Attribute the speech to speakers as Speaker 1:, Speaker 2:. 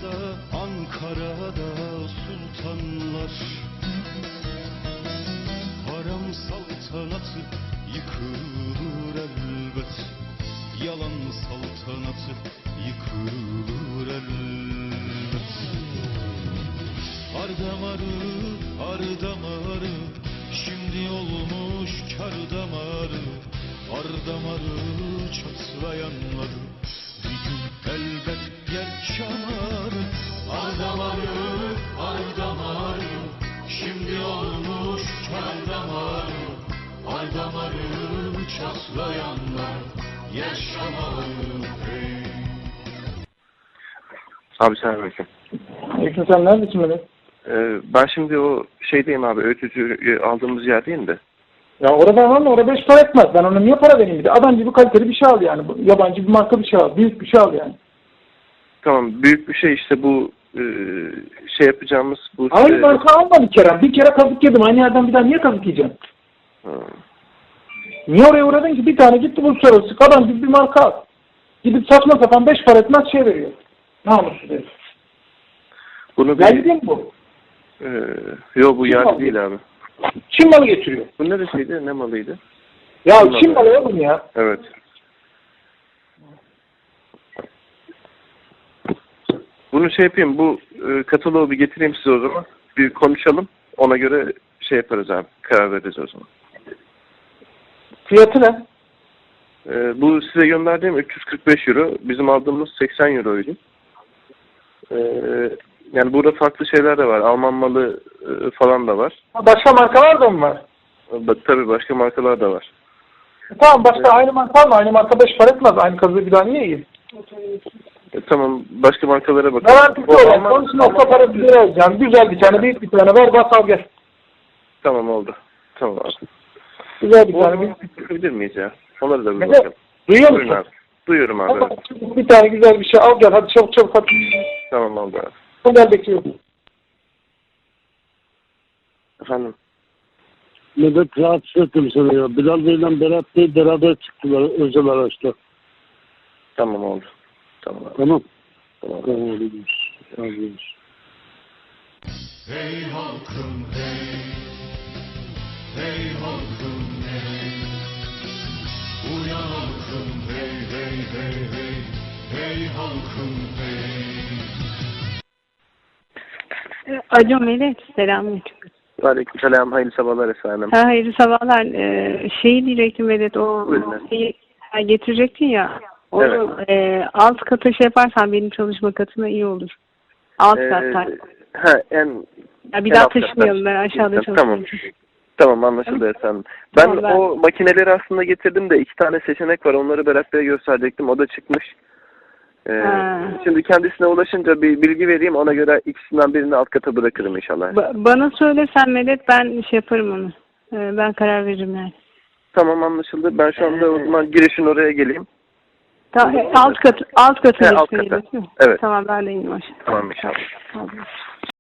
Speaker 1: Ankara'da sultanlar, harem saltanatı yıkılır elbet. Yalan saltanatı yıkılır elbet. Ar damarı, şimdi olmuş kar damarı. Ar damarı çatlayanları bir gün elbet yaşar. Ar damarı, şimdi olmuş kar damarı. Ar damarı çatlayanlar yaşamalı hey.
Speaker 2: Abi selamünaleyküm.
Speaker 3: Aleyküm sen neredesin böyle?
Speaker 2: Ben şimdi o şeydeyim abi, öğütücü aldığımız yerdeyim de.
Speaker 3: Ya orada var mı? Orada 5 para etmez. Ben ona niye para vereyim bir de? Adam gibi kaliteli bir şey al yani. Yabancı bir marka bir şey al. Büyük bir şey al yani.
Speaker 2: Tamam, büyük bir şey işte bu şey yapacağımız bu...
Speaker 3: Aynı marka alma bir kere. Bir kere kazık yedim. Aynı yerden bir daha niye kazık yiyeceğim? Niye oraya uğradın ki? Bir tane gitti bu uluslararası. Adam gibi bir marka al. Gidip saçma sapan 5 para etmez şey veriyor. Namussuz herif.
Speaker 2: Bunu bir...
Speaker 3: Geldi mi bu?
Speaker 2: Yok bu yerli değil abi.
Speaker 3: Çin malı getiriyor.
Speaker 2: Bu neresiydi? Ne malıydı?
Speaker 3: Ya Çin malı oğlum ya.
Speaker 2: Evet. Bunu şey yapayım, bu kataloğu bir getireyim size o zaman. Bir konuşalım. Ona göre şey yaparız abi. Karar veririz o zaman.
Speaker 3: Fiyatı ne?
Speaker 2: Bu size gönderdiğim 345 euro. Bizim aldığımız 80 euroydu. Yani burada farklı şeyler de var. Alman malı falan da var.
Speaker 3: Başka markalar da mı var?
Speaker 2: Tabii başka markalar da var.
Speaker 3: Tamam başka aynı marka var mı? Aynı marka 5 para etmez. Aynı kazığı bir daha niye yiyeyim?
Speaker 2: Tamam, başka markalara bakalım.
Speaker 3: Garantisi olan. Onun nokta para bir lira alacağım. Güzel bir tane, büyük bir tane ver, bas al gel.
Speaker 2: Tamam oldu. Tamam abi.
Speaker 3: Güzel bir tane, büyük bir tane.
Speaker 2: Bakabilir miyiz ya? Onları da bir
Speaker 3: Evet.
Speaker 2: bakalım.
Speaker 3: Duyuyor
Speaker 2: Buyurun
Speaker 3: musun?
Speaker 2: abi. Duyuyorum abi.
Speaker 3: Ama
Speaker 2: Evet.
Speaker 3: bir tane güzel bir şey al gel. Hadi çabuk çabuk hadi.
Speaker 2: Tamam oldu abi.
Speaker 3: Gel bekliyorum.
Speaker 2: Efendim?
Speaker 4: Medet rahatsız ettim seni ya. Bilal Bey'le Berat Bey beraber çıktılar özel araçla.
Speaker 2: Tamam oldu. Tamam abi.
Speaker 4: Tamam.
Speaker 2: Tamam.
Speaker 4: Tamam. Tamam.
Speaker 1: Hey halkım hey, hey halkım hey. Uyan halkım hey hey hey hey, hey halkım hey.
Speaker 5: Alo Melek, selamünaleyküm.
Speaker 2: Aleykümselam, hayırlı sabahlar efendim.
Speaker 5: Hayırlı sabahlar. Şeyi diyecektim Melek, o
Speaker 2: Buyurun.
Speaker 5: şeyi getirecektin ya. Onu alt kata şey yaparsan benim çalışma katına iyi olur. Alt katta.
Speaker 2: Ya
Speaker 5: Bir daha taşımayalım, ben aşağıda
Speaker 2: Tamam.
Speaker 5: çalışıyorum.
Speaker 2: Tamam anlaşıldı efendim. Ben
Speaker 5: Tamam,
Speaker 2: o makineleri aslında getirdim de 2 tane seçenek var. Onları Berat Bey'e gösterecektim. O da çıkmış. Şimdi kendisine ulaşınca bir bilgi vereyim. Ona göre ikisinden birini alt kata bırakırım inşallah.
Speaker 5: Bana söylesen Melek, ben şey yaparım onu. Ben karar veririm yani.
Speaker 2: Tamam anlaşıldı. Ben şu anda o zaman girişin oraya geleyim.
Speaker 5: Alt kata
Speaker 2: alt kata.
Speaker 5: değil mi?
Speaker 2: Evet.
Speaker 5: Tamam, ben de ineyim aşağı.
Speaker 2: Tamam inşallah.
Speaker 5: Tamam.